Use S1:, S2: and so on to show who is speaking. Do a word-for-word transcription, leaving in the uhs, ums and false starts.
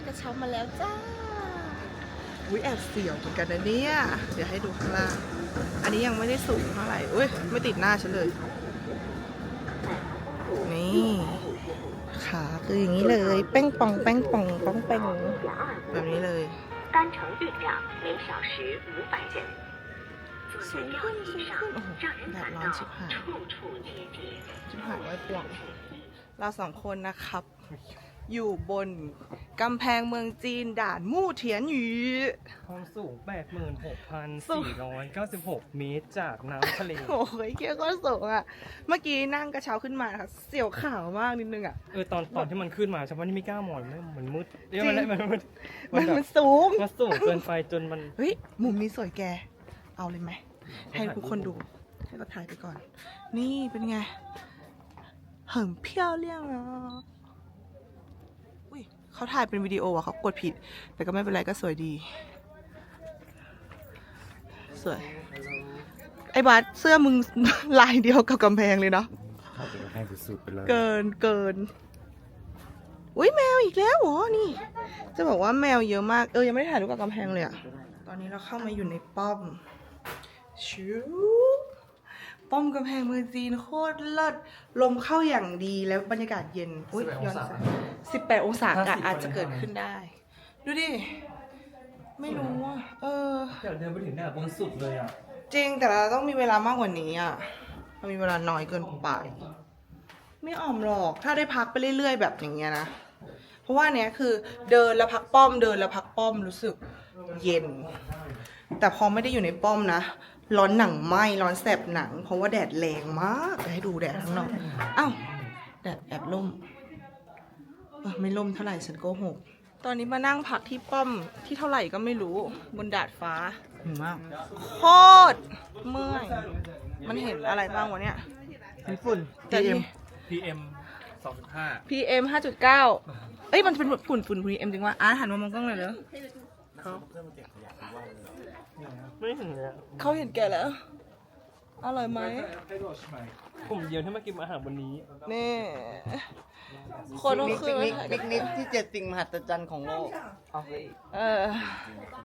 S1: กระเช้ามาแล้วจ้าอุ้ยแอบเสียวเหมือนกันนะเนี่ยเดี๋ยวให้ดูข้างล่างอันนี้ยังไม่ได้สูงเท่าไหร่อุ้ยไม่ติดหน้าฉันเลยนี่ขาคืออย่างนี้เลยแป้งป่องแป้งป่องป้องแป้งแบบนี้เลย
S2: 单程运量每小时五百人，坐在吊椅上，让人感到处处贴贴。
S1: ชิบหายไว้ป่วงเราสองคนนะครับ อยู่บนกำแพงเมืองจีนด่านมู่เถียนหยู
S3: ความสูง แปดหมื่นหกพันสี่ร้อยเก้าสิบหก เมตรจากน้ำทะเล
S1: โอ้ยเกี้ยก็สูงอ่ะเมื่อกี้นั่งกระเช้าขึ้นมานะคะเสียวขาวมากนิดนึงอ่ะ
S3: เออตอนตอนที่มันขึ้นมาฉันว่านี่ไม่กล้ามองเลยมันมืดเอ้ยมัน
S1: จริง
S3: มันมัน
S1: มัน
S3: แบบ
S1: มันสูง
S3: มันสูงเกินไปจนมัน
S1: เฮ้ยมุมนี้สวยแกเอาเลยไหมให้ทุกคนดูให้เราถ่ายไปก่อน นี่เป็นไง很漂亮啊อุ้ยเขาถ่ายเป็นวิดีโออ่ะเขากดผิด แต่ก็ไม่เป็นไรก็สวยดี สวย ไอ้บาสเสื้อมึง ลายเดียวกับกำแพงเลยเนาะ
S3: เข้าไปให้สุดๆไปเลย
S1: เกินเกินอุ้ยแมวอีกแล้วเหรอนี่ จะบอกว่าแมวเยอะมากเออยังไม่ได้ถ่ายรูปกับกำแพงเลยอะตอนนี้เราเข้ามาอยู่ในป้อมชิวป้อมกำแพงเมืองจีนโคตรเลิศลมเข้าอย่างดีแล้วบรรยากาศเย็นอุ้ยย้อนแสงสิบแปดองศาอากาศอาจจะเกิดขึ้นได้ ดูดิ ไม่รู้อ่ะเออ
S3: อยากเดินไปถึงหน้าบนสุดเลยอ่ะ
S1: จริงแต่เราต้องมีเวลามากกว่านี้อ่ะเรามีเวลาน้อยเกินไป ไม่อ่อมหรอก ถ้าได้พักไปเรื่อยๆแบบอย่างเงี้ยนะ เพราะว่าเนี้ยคือเดินแล้วพักป้อมเดินแล้วพักป้อมรู้สึกเย็น แต่พอไม่ได้อยู่ในป้อมนะร้อนหนังไหมร้อนแสบหนัง เพราะว่าแดดแรงมากเดี๋ยวให้ดูแดดข้างนอกอ้าวแดดแอบล่มเออไม่ล่มเท่าไหร่ฉันโกหกตอนนี้มานั่งพักที่ป้อมที่เท่าไหร่ก็ไม่รู้บนดาดฟ้า
S3: หิวมาก
S1: โคตรเมื่อยมันเห็นอะไรบ้างวะเนี่ย
S3: ฝุ่น
S1: แต่ที่
S3: พี เอ็ม สองจุดห้า
S1: พี เอ็ม ห้าจุดเก้า เอ้ย มันเป็นฝุ่นฝุ่น พี เอ็ม จริงว่าอาร์ตหันมามองกล้องเลยเหรอ
S3: ไม่เห็นเลยอะ
S1: เขาเห็นแกแล้ว อร่อยไหม
S3: กลุ่มเดียวที่มากินอาหารวันนี้
S1: นี่ คนก็คือ
S4: ปิกนิกปิกนิกที่เจ็ดสิ่งมหัศจรรย์ของโลก
S1: เออ